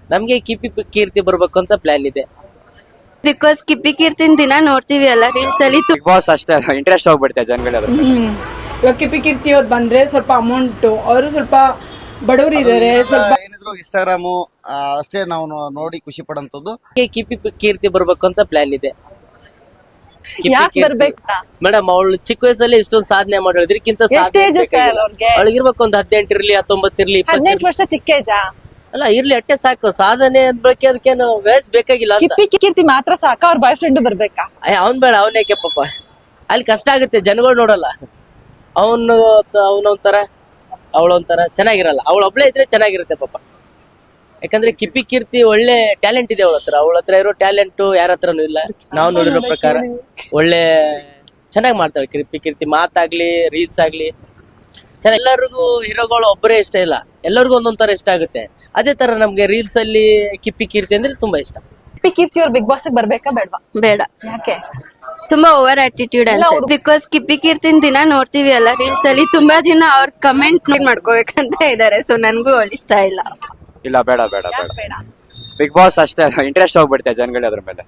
ನಮ್ಗೆ ಕಿಪಿ ಕೀರ್ತಿ ಬರ್ಬೇಕು ಅಂತ ಪ್ಲಾನ್ ಇದೆ. ಬಿಕಾಸ್ ಕಿಪ್ಪಿ ಕೀರ್ತಿನ ದಿನ ನೋಡ್ತೀವಿ ಅಲ್ಲ ರೀಲ್ಸ್ ಅಲ್ಲಿ. ಬಿಗ್ ಬಾಸ್ ಅಷ್ಟೇ ಇಂಟ್ರೆಸ್ಟ್ ಹೋಗ್ಬಿಡುತ್ತೆ ಜನಗಳು. ಇವಾಗ ಕಿಪ್ಪಿ ಕೀರ್ತಿ ಅವ್ರು ಬಂದ್ರೆ ಸ್ವಲ್ಪ ಅಮೌಂಟ್, ಅವರು ಸ್ವಲ್ಪ ಬಡವರು ಇದಾರೆ, ಸ್ವಲ್ಪ ಏನಿದ್ರು ಇನ್ಸ್ಟಾಗ್ರಾಮು ಅಷ್ಟೇ ನಾವು ನೋಡಿ ಖುಷಿ ಪಡೋಂಥದ್ದು. ಕಿಪಿ ಕೀರ್ತಿ ಬರ್ಬೇಕು ಅಂತ ಪ್ಲಾನ್ ಇದೆ. ಯಾಕೆ ಬರ್ಬೇಕಾ ಮೇಡಮ್ ಅವಳು ಚಿಕ್ಕ ವಯಸ್ಸಲ್ಲಿ ಇಷ್ಟೊಂದು ಸಾಧನೆ ಮಾಡೋದ್ರಕ್ಕಿಂತ ಎಷ್ಟ್ ಏಜ್ ಸರ್ ಅವ್ರಿಗೆ? ಅವಳಿಗಿರ್ಬೇಕು ಒಂದು 18 ಇರ್ಲಿ 19 ಇರ್ಲಿ 18 ವರ್ಷ ಚಿಕ್ಕ ಏಜಾ? ಅಲ್ಲ ಇರ್ಲಿ ಅಟ್ಟೆ ಸಾಕು. ಸಾಧನೆ ಅನ್ಬೇಕೆ ಅದಕ್ಕೇನು ವಯಸ್ಸು ಬೇಕಾಗಿಲ್ಲ ಅಂತ. ಕಿಪ್ಪಿ ಕೀರ್ತಿ ಮಾತ್ರ ಸಾಕ, ಅವ್ರ ಬಾಯ್ ಫ್ರೆಂಡ್ ಬರ್ಬೇಕಾ? ಅವ್ನ್ ಬೇಡ, ಅವನೇಕೆ ಪಾಪ ಅಲ್ಲಿ ಕಷ್ಟ ಆಗುತ್ತೆ, ಜನಗಳು ನೋಡಲ್ಲ. ಅವನೊಂಥರ ಅವಳೊಂಥರ ಚೆನ್ನಾಗಿರಲ್ಲ. ಅವಳೊಬ್ಳೆ ಇದ್ರೆ ಚೆನ್ನಾಗಿರುತ್ತೆ ಪಾಪ. ಯಾಕಂದ್ರೆ ಕಿಪ್ಪಿ ಕೀರ್ತಿ ಒಳ್ಳೆ ಟ್ಯಾಲೆಂಟ್ ಇದೆ ಅವಳ ಹತ್ರ ಇರೋ ಟ್ಯಾಲೆಂಟ್ ಯಾರ ಹತ್ರನೂ ಇಲ್ಲ. ನಾವು ನೋಡಿರೋ ಪ್ರಕಾರ ಒಳ್ಳೆ ಚೆನ್ನಾಗಿ ಮಾಡ್ತಾಳೆ ಕಿಪ್ಪಿ ಕೀರ್ತಿ. ಮಾತಾಗ್ಲಿ ರೀಲ್ಸ್ ಆಗ್ಲಿ ಎಲ್ಲರಿಗೂ ಹೀರೋಗಳು ಒಬ್ಬರೇ ಇಷ್ಟ ಇಲ್ಲ, ಎಲ್ಲರಿಗೂ ಒಂದೊಂದ್ ತರ ಇಷ್ಟ ಆಗುತ್ತೆ. ಅದೇ ತರ ನಮ್ಗೆ ರೀಲ್ಸ್ ಅಲ್ಲಿ ಕಿಪ್ಪಿ ಕೀರ್ತಿ ಅಂದ್ರೆ ತುಂಬಾ ಇಷ್ಟ. ಕಿಪ್ಪಿ ಕೀರ್ತಿ ಅವ್ರು ಬಿಗ್ ಬಾಸ್ ಬರ್ಬೇಕಾ ಬೇಡವಾ? ಬೇಡ, ಯಾಕೆ? ತುಂಬಾ ಓವರ್ ಆಟಿಟ್ಯೂಡ್ ಅನ್ಸುತ್ತೆ. ಬಿಕಾಸ್ ಕಿಪ್ಪಿ ಕೀರ್ತಿನ ದಿನ ನೋಡ್ತೀವಿ ಅಲ್ಲ ರೀಲ್ಸ್ ಅಲ್ಲಿ, ತುಂಬಾ ಜನ ಅವ್ರ ಕಮೆಂಟ್ ಮಾಡ್ಕೋಬೇಕಂತ ಇದಾರೆ. ಸೊ ನನ್ಗೂ ಅವಳು ಇಷ್ಟ ಇಲ್ಲ. ಇಲ್ಲ, ಬೇಡ ಬೇಡ ಬೇಡ. ಬೇಡ ಬಿಗ್ ಬಾಸ್ ಅಷ್ಟೇ ಇಂಟ್ರೆಸ್ಟ್ ಹೋಗ್ಬಿಡುತ್ತೆ ಜನಗಳು ಅದ್ರ ಮೇಲೆ.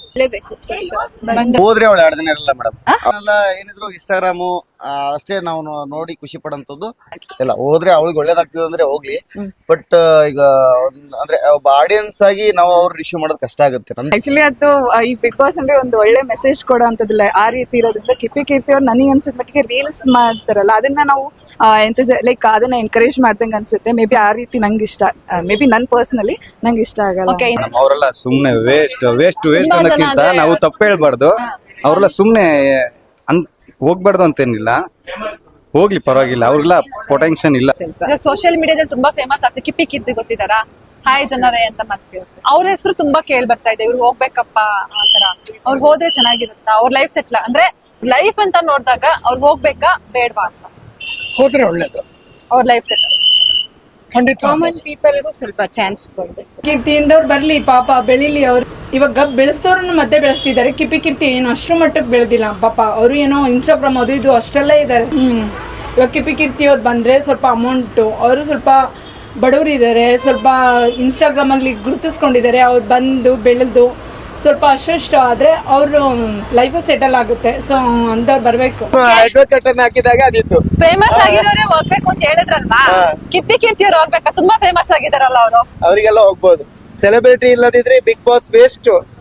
ಹೋದ್ರೆ ಅವಳು 2 ದಿನ ಇರಲ್ಲ ಮೇಡಮ್. ಅವನ್ನೆಲ್ಲ ಏನಿದ್ರು ಇನ್ಸ್ಟಾಗ್ರಾಮು ಅಷ್ಟೇ ನಾವು ನೋಡಿ ಖುಷಿ ಪಡೋಂಥದ್ದು. ಇಲ್ಲ ಹೋದ್ರೆ ಅವಳಿಗೆ ಒಳ್ಳೇದಾಗ್ತದೆ ಅಂದ್ರೆ ಹೋಗ್ಲಿ. ಬಟ್ ಈಗ ಅಂದ್ರೆ ಒಬ್ಬ ಆಡಿಯನ್ಸ್ ಆಗಿ ನಾವು ಅವ್ರ ಇಶ್ಯೂ ಮಾಡೋದು ಕಷ್ಟ ಆಗುತ್ತೆ. ಆಕ್ಚುಲಿ ಅದು ಈ ಬಿಗ್ ಬಾಸ್ ಅಂದ್ರೆ ಒಂದು ಒಳ್ಳೆ ಮೆಸೇಜ್ ಕೊಡೋ ಅಂತದಿಲ್ಲ ಆ ರೀತಿ ಇರೋದ್ರಿಂದ ಕಿಪ್ಪಿ ಕೀರ್ತಿ ಅವ್ರು ನನಗೆ ಅನ್ಸಿದ ಮಟ್ಟಿಗೆ ರೀಲ್ಸ್ ಮಾಡ್ತಾರಲ್ಲ, ಅದನ್ನ ನಾವು ಲೈಕ್ ಅದನ್ನ ಎನ್ಕರೇಜ್ ಮಾಡ್ದಂಗೆ ಅನ್ಸುತ್ತೆ. ಮೇ ಬಿ ಆ ರೀತಿ ನಂಗೆ ಇಷ್ಟ, ಮೇ ಬಿ ನನ್ ಪರ್ಸನಲಿ ನಂಗೆ ಇಷ್ಟ ಆಗಲ್ಲ. ಅವರೆಲ್ಲ ಸುಮ್ನೆ ವೇಸ್ಟ್ ಅನ್ನೋಕ್ಕಿಂತ ನಾವು ತಪ್ಪು ಹೇಳ್ಬಾರ್ದು. ಅವರೆಲ್ಲ ಸುಮ್ನೆ ಹೋಗ್ಬಾರ್ದು ಅಂತೇನಿಲ್ಲ, ಹೋಗ್ಲಿ ಪರವಾಗಿಲ್ಲ. ಅವ್ರೆಲ್ಲ ಪೊಟೆನ್ಷಿಯಲ್ ಇಲ್ಲ. ಸೋಷಿಯಲ್ ಮೀಡಿಯಾದಲ್ಲಿ ತುಂಬಾ ಫೇಮಸ್ ಆಗ್ತದೆ. ಕಿಪ್ಪಿ ಕೀರ್ತಿ ಗೊತ್ತಿದಾರಾ? ಹಾಯ್ ಜನರೇ ಅಂತ ಮಾಡ್ತೀವಿ. ಅವ್ರ ಹೆಸರು ತುಂಬಾ ಕೇಳ್ ಬರ್ತಾ ಇದೆ, ಇವ್ರು ಹೋಗ್ಬೇಕಪ್ಪ ಆತರ. ಅವ್ರು ಹೋದ್ರೆ ಚೆನ್ನಾಗಿರುತ್ತಾ? ಅವ್ರ ಲೈಫ್ ಸೆಟ್ಲ್ ಅಂದ್ರೆ ಲೈಫ್ ಅಂತ ನೋಡಿದಾಗ ಅವ್ರು ಹೋಗ್ಬೇಕಾ ಬೇಡವಾ ಅಂತ? ಹೋದ್ರೆ ಒಳ್ಳೇದು. ಅವ್ರ ಲೈಫ್ ಸೆಟ್ಲ್ ಖಂಡಿತ. ಕಾಮನ್ ಪೀಪಲ್ಗೂ ಸ್ವಲ್ಪ ಚಾನ್ಸ್ ಕೊಡ್ಬೇಕು. ಕೀರ್ತಿಯಿಂದವ್ರು ಬರ್ಲಿ ಪಾಪ, ಬೆಳಿಲಿ. ಅವ್ರು ಇವಾಗ ಬೆಳೆಸ್ತವ್ರನ್ನ ಮತ್ತೆ ಬೆಳೆಸ್ತಿದ್ದಾರೆ. ಕಿಪ್ಪಿ ಕೀರ್ತಿ ಏನು ಅಷ್ಟ್ರ ಮಟ್ಟಕ್ಕೆ ಬೆಳೆದಿಲ್ಲ ಪಾಪ. ಅವರು ಏನೋ ಇನ್ಸ್ಟಾಗ್ರಾಮ್ ಅದು ಇದು ಅಷ್ಟೆಲ್ಲ ಇದ್ದಾರೆ. ಇವಾಗ ಕಿಪ್ಪಿ ಕೀರ್ತಿ ಅವ್ರು ಬಂದ್ರೆ ಸ್ವಲ್ಪ ಅಮೌಂಟ್, ಅವರು ಸ್ವಲ್ಪ ಬಡವರು ಇದ್ದಾರೆ, ಸ್ವಲ್ಪ ಇನ್ಸ್ಟಾಗ್ರಾಮ್ ಅಲ್ಲಿ ಗುರುತಿಸ್ಕೊಂಡಿದ್ದಾರೆ. ಅವ್ರು ಬಂದು ಬೆಳೆದು ಸ್ವಲ್ಪ ಅಷ್ಟು ಆದ್ರೆ ಅವ್ರ ಲೈಫ್ ಸೆಟಲ್ ಆಗುತ್ತೆ. ಸೊ ಅಂತವ್ರು ಬರ್ಬೇಕು. ಹಾಕಿದಾಗ ಅದಿತ್ತು ಫೇಮಸ್ ಆಗಿರೋರೇ ಹೋಗ್ಬೇಕು ಅಂತ ಹೇಳಿದ್ರಲ್ವಾ? ಕಿಪ್ಪಿ ಕೀರ್ತಿ ಅವ್ರು ಹೋಗ್ಬೇಕಾ? ತುಂಬಾ ಫೇಮಸ್ ಆಗಿದಾರಲ್ಲ ಅವರು. ಅವರಿಗೆಲ್ಲ ಹೋಗ್ಬೋದು. ಸೆಲೆಬ್ರಿಟಿ ಇಲ್ಲದಿದ್ರೆ ಬಿಗ್ ಬಾಸ್ ವೇಸ್ಟ್.